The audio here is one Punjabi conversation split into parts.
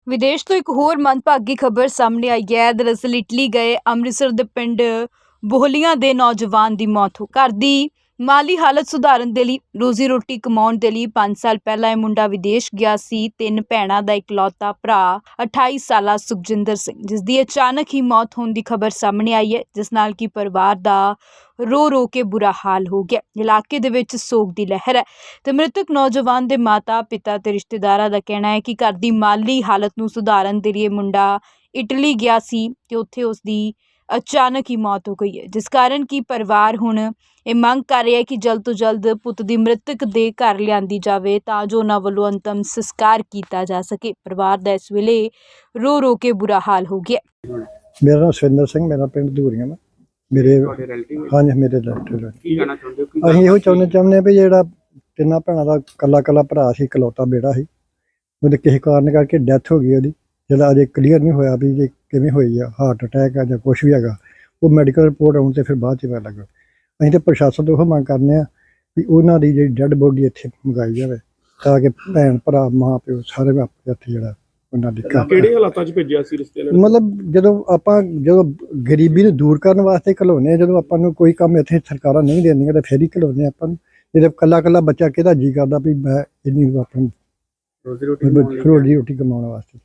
ਵਿਦੇਸ਼ ਤੋਂ ਇੱਕ ਹੋਰ ਮੰਦਭਾਗੀ ਖਬਰ ਸਾਹਮਣੇ ਆਈ ਹੈ। ਦਰਅਸਲ ਇਟਲੀ ਗਏ ਅੰਮ੍ਰਿਤਸਰ ਦੇ ਪਿੰਡ ਬੋਹਲੀਆਂ ਦੇ ਨੌਜਵਾਨ ਦੀ ਮੌਤ ਹੋ ਘਰ ਦੀ ਮਾਲੀ ਹਾਲਤ ਸੁਧਾਰਨ ਦੇ ਲਈ ਰੋਜ਼ੀ ਰੋਟੀ ਕਮਾਉਣ ਦੇ ਲਈ 5 ਸਾਲ ਪਹਿਲਾਂ ਇਹ ਮੁੰਡਾ ਵਿਦੇਸ਼ ਗਿਆ ਸੀ। 3 ਭੈਣਾਂ ਦਾ ਇਕਲੌਤਾ ਭਰਾ 28 ਸਾਲਾ ਸੁਖਜਿੰਦਰ ਸਿੰਘ, ਜਿਸ ਦੀ ਅਚਾਨਕ ਹੀ ਮੌਤ ਹੋਣ ਦੀ ਖਬਰ ਸਾਹਮਣੇ ਆਈ ਹੈ, ਜਿਸ ਨਾਲ ਕਿ ਪਰਿਵਾਰ ਦਾ ਰੋ ਕੇ ਬੁਰਾ ਹਾਲ ਹੋ ਗਿਆ। ਇਲਾਕੇ ਦੇ ਵਿੱਚ ਸੋਗ ਦੀ ਲਹਿਰ ਹੈ ਤੇ ਮ੍ਰਿਤਕ ਨੌਜਵਾਨ ਦੇ ਮਾਤਾ ਪਿਤਾ ਤੇ ਰਿਸ਼ਤੇਦਾਰਾਂ ਦਾ ਕਹਿਣਾ ਹੈ ਕਿ ਘਰ ਦੀ ਮਾਲੀ ਹਾਲਤ ਨੂੰ ਸੁਧਾਰਨ ਦੇ ਲਈ ਮੁੰਡਾ ਇਟਲੀ ਗਿਆ ਸੀ ਤੇ ਉੱਥੇ ਉਸ ਦੀ ਅਚਾਨਕ ਹੀ ਮੌਤ ਹੋ ਗਈ ਹੈ, ਜਿਸ ਕਾਰਨ ਕਿ ਪਰਿਵਾਰ ਹੁਣ ਇਹ ਮੰਗ ਕਰ ਰਿਹਾ ਹੈ ਕਿ ਜਲਦ ਤੋਂ ਜਲਦ ਪੁੱਤ ਦੀ ਮ੍ਰਿਤਕ ਦੇ ਘਰ ਲਿਆਂਦੀ ਜਾਵੇ ਤਾਂ ਜੋ ਉਹਨਾਂ ਵੱਲੋਂ ਅੰਤਮ ਸੰਸਕਾਰ ਕੀਤਾ ਜਾ ਸਕੇ। ਪਰਿਵਾਰ ਦਾ ਇਸ ਵੇਲੇ ਰੋ ਕੇ ਬੁਰਾ ਹਾਲ ਹੋ ਗਿਆ। ਮੇਰਾ ਨਾਮ ਸੁਰਿੰਦਰ ਸਿੰਘ, ਮੇਰਾ ਪਿੰਡ ਧੂਰੀਆਂ ਵਾ। ਮੇਰੇ ਹਾਂਜੀ, ਮੇਰੇ ਰਿਲੇਟਿਵ। ਕੀ ਕਹਿਣਾ ਚਾਹੁੰਦੇ ਹੋ? ਅਸੀਂ ਇਹੋ ਚਾਹੁੰਦੇ ਹਾਂ ਵੀ ਜਿਹੜਾ ਤਿੰਨਾਂ ਭੈਣਾਂ ਦਾ ਕੱਲਾ ਭਰਾ ਸੀ, ਇਕਲੌਤਾ ਬੇੜਾ ਸੀ, ਉਹਦੇ ਕਿਸੇ ਕਾਰਨ ਕਰਕੇ ਡੈਥ ਹੋ ਗਈ ਉਹਦੀ। ਜਿਹੜਾ ਅਜੇ ਕਲੀਅਰ ਨਹੀਂ ਹੋਇਆ ਵੀ ਜੇ ਕਿਵੇਂ ਹੋਈ ਆ, ਹਾਰਟ ਅਟੈਕ ਆ ਜਾਂ ਕੁਛ ਵੀ ਹੈਗਾ, ਉਹ ਮੈਡੀਕਲ ਰਿਪੋਰਟ ਆਉਣ ਤੇ ਫਿਰ ਬਾਅਦ 'ਚ ਪਤਾ ਲੱਗਾ। ਅਸੀਂ ਤਾਂ ਪ੍ਰਸ਼ਾਸਨ ਤੋਂ ਉਹ ਮੰਗ ਕਰਨੇ ਆ ਵੀ ਉਹਨਾਂ ਦੀ ਜਿਹੜੀ ਡੈਡ ਬੋਡੀ ਇੱਥੇ ਮੰਗਾਈ ਜਾਵੇ ਤਾਂ ਕਿ ਭੈਣ ਭਰਾ ਮਾਂ ਪਿਓ ਸਾਰੇ ਆਪਣੇ ਇੱਥੇ ਜਿਹੜਾ ਉਹਨਾਂ ਦੀ ਕਿਹੜੇ ਹਾਲਾਤਾਂ 'ਚ ਭੇਜਿਆ ਸੀ ਰਿਸ਼ਤੇ ਨਾਲ? ਮਤਲਬ ਜਦੋਂ ਗਰੀਬੀ ਨੂੰ ਦੂਰ ਕਰਨ ਵਾਸਤੇ ਘਲਾਉਂਦੇ ਆ, ਜਦੋਂ ਆਪਾਂ ਨੂੰ ਕੋਈ ਕੰਮ ਇੱਥੇ ਸਰਕਾਰਾਂ ਨਹੀਂ ਦਿੰਦੀਆਂ ਤਾਂ ਫਿਰ ਹੀ ਘਲਾਉਂਦੇ ਆਪਾਂ ਨੂੰ। ਜਦੋਂ ਕੱਲਾ ਬੱਚਾ ਕਿਹਦਾ ਜੀ ਕਰਦਾ ਵੀ ਮੈਂ ਇੰਨੀ ਆਪਣੀ ਰੋਜ਼ੀ ਰੋਟੀ ਕਮਾਉਣ ਵਾਸਤੇ।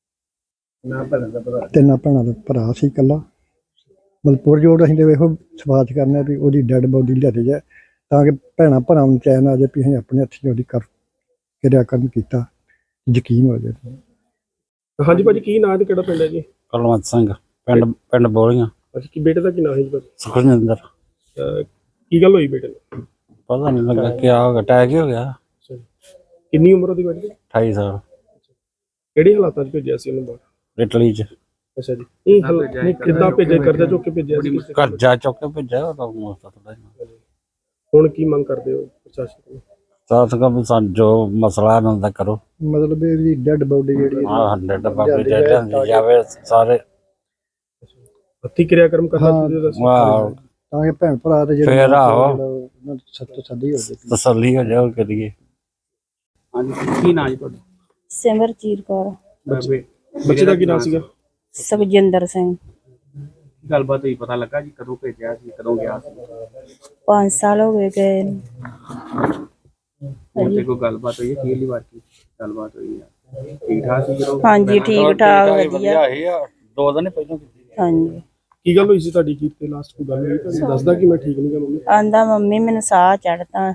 ਤਿੰਨਾਂ ਭੈਣਾਂ ਦਾ ਭਰਾ ਸੀ ਇਕੱਲਾ। ਮਤਲਬ ਪੁਰਜੋੜ ਅਸੀਂ ਤਾਂ ਇਹੋ ਸਵਾਚ ਕਰਨਾ ਵੀ ਉਹਦੀ ਡੈਡ ਬੋਡੀ ਲਿਆਦੀ ਜਾਏ ਤਾਂ ਕਿ ਭੈਣਾਂ ਭਰਾਵਾਂ ਨੂੰ ਚੈਨ ਆ ਜਾਏ ਵੀ ਅਸੀਂ ਆਪਣੇ ਹੱਥੀਂ ਉਹਦੀ ਕਿਰਿਆਕਰਮ ਕੀਤਾ, ਯਕੀਨ ਹੋ ਜਾਏ। ਹਾਂਜੀ ਭਾਜੀ, ਕੀ ਨਾਂ ਤੇ ਕਿਹੜਾ ਪਿੰਡ ਹੈ ਜੀ? ਕੁਲਵੰਤ ਸਿੰਘ, ਪਿੰਡ ਬੋਲੀਆਂ। ਅੱਛਾ, ਕੀ ਬੇਟੇ ਦਾ ਕੀ ਨਾਂ ਹੈ ਜੀ? ਸੁਖਜਿੰਦਰ। ਕੀ ਗੱਲ ਹੋਈ ਬੇਟੇ ਨੂੰ? ਪਤਾ ਨਹੀਂ ਲੱਗਾ ਕੀ ਹੋ ਗਿਆ, ਅਟੈਕ ਹੀ ਹੋ ਗਿਆ। ਕਿੰਨੀ ਉਮਰ ਉਹਦੀ ਬੇਟੇ ਦੀ? 28 ਸਾਲ। ਕਿਹੜੇ ਹਾਲਾਤਾਂ 'ਚ ਭੇਜਿਆ ਸੀ ਉਹਨੂੰ ਬਾਹਰ? ਇਟਲੀ ਚ। ਅੱਛਾ ਜੀ, ਇਹ ਕਿੱਦਾਂ ਭੇਜਿਆ? ਕਰਜ਼ਾ ਚੁੱਕ ਕੇ ਭੇਜਿਆ ਸੀ? ਕਰਜ਼ਾ ਚੁੱਕ ਕੇ ਭੇਜਿਆ ਉਹ ਤਾਂ। ਹੁਣ ਕੀ ਮੰਗ ਕਰਦੇ ਹੋ ਪ੍ਰਸ਼ਾਸਨ ਤੋਂ? ਸਾਥ ਕਮ ਜੋ ਮਸਲਾ ਇਹਨਾਂ ਦਾ ਕਰੋ। ਮਤਲਬ ਇਹਦੀ ਡੈਡ ਬੋਡੀ ਜਿਹੜੀ ਹਾਂ, 100 ਬਾਬੇ ਦੇ ਲਿਆਂਦੀ ਜਾਵੇ ਸਾਰੇ। ਹੱਥੀ ਕਿਰਿਆਕਰਮ ਕਰਨਾ ਚਾਹੀਦਾ ਸੀ ਵਾਹ, ਤਾਂ ਕਿ ਭੈਣ ਭਰਾ ਤੇ ਫਿਰ ਆਹੋ ਤਸੱਲੀ ਹੋ ਜਾਏ। ਤਸੱਲੀ ਹੋ ਜਾਓ ਕਰੀਏ। ਹਾਂਜੀ, ਕੀ ਨਾਂ ਜੀ ਤੁਹਾਡਾ? ਸਿਮਰਜੀਤ ਕੌਰ। ਬੱਚੇ ਦਾ ਕੀ ਨਾਂ ਸੀਗਾ? ਸੁਖਜਿੰਦਰ ਸਿੰਘ। ਗੱਲਬਾਤ ਹੀ ਪਤਾ ਲੱਗਾ ਜੀ, ਕਦੋਂ ਭੇਜਿਆ ਸੀ, ਕਦੋਂ ਗਿਆ ਸੀ? 5 ਸਾਲ ਹੋ ਗਏ ਨੂੰ। ਹੁਣ ਤੇ ਕੋਈ ਗੱਲਬਾਤ ਹੋਈ ਹੈ? ਪਹਿਲੀ ਵਾਰ ਕੀ ਗੱਲਬਾਤ ਹੋਈ ਹੈ? ਠੀਕ ਠਾਕ ਸੀ ਜਦੋਂ? ਹਾਂਜੀ, ਠੀਕ ਠਾਕ ਵਧੀਆ। 2 ਦਿਨ ਪਹਿਲਾਂ ਹਾਂਜੀ। ਕੀ ਗੱਲ ਹੋਈ ਸੀ ਤੁਹਾਡੀ? ਕੀ ਤੇ ਲਾਸਟ ਕੋਈ ਗੱਲ ਹੋਈ? ਤੁਹਾਨੂੰ ਦੱਸਦਾ ਕਿ ਮੈਂ ਠੀਕ ਨਹੀਂ ਗਾ ਮੰਮੀ? ਆਂਦਾ ਮੰਮੀ ਮੈਨੂੰ ਸਾਹ ਚੜਦਾ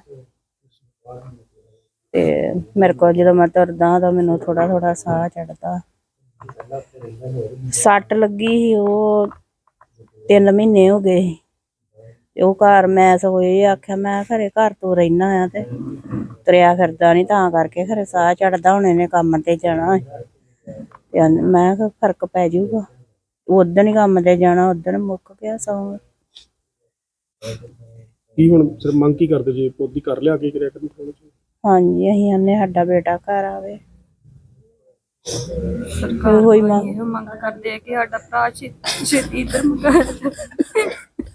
ਤੇ ਮੇਰੇ ਕੋਲ ਜਦੋਂ ਮੈਂ ਤੁਰਦਾ ਤਾਂ ਮੈਨੂੰ ਥੋੜਾ ਸਾਹ ਚੜਦਾ। ਸੱਟ ਲੱਗੀ ਸੀ, ਉਹ 3 ਮਹੀਨੇ ਹੋ ਗਏ ਸੀ ਤੇ ਉਹ ਘਰ ਮੈਂ ਸਗੋਂ ਇਹ ਆਖਿਆ ਮੈਂ ਘਰੇ ਘਰ ਤੋਂ ਰਹਿਣਾ ਆ ਤੇ ਤੁਰਿਆ ਫਿਰਦਾ ਨਹੀਂ, ਤਾਂ ਕਰਕੇ ਖਰੇ ਸਾਹ ਚੜਦਾ। ਹੁਣ ਇਹਨੇ ਕੰਮ ਤੇ ਜਾਣਾ ਤੇ ਮੈਂ ਕਿਹਾ ਫਰਕ ਪੈ ਜਾਊਗਾ। ਉਦਣ ਹੀ ਕੰਮ ਤੇ ਜਾਣਾ, ਉਦਣ ਮੁੱਕ ਗਿਆ ਸੌਂ। ਕੀ ਹੁਣ ਸਿਰ ਮੰਗ ਕੀ ਕਰਦੇ ਜੀ? ਪੋਦੀ ਕਰ ਲਿਆ ਕੇ ਕਰਿਆ ਕਰਨ? ਹਾਂਜੀ, ਅਸੀਂ ਆਨੇ ਸਾਡਾ ਬੇਟਾ ਘਰ ਆਵੇ। ਸਰਕਾਰ ਇਹੋ ਮੰਗ ਕਰਦੇ ਆ ਕਿ ਸਾਡਾ ਭਰਾ ਛੇਤੀ ਇੱਧਰ ਮੰਗਾ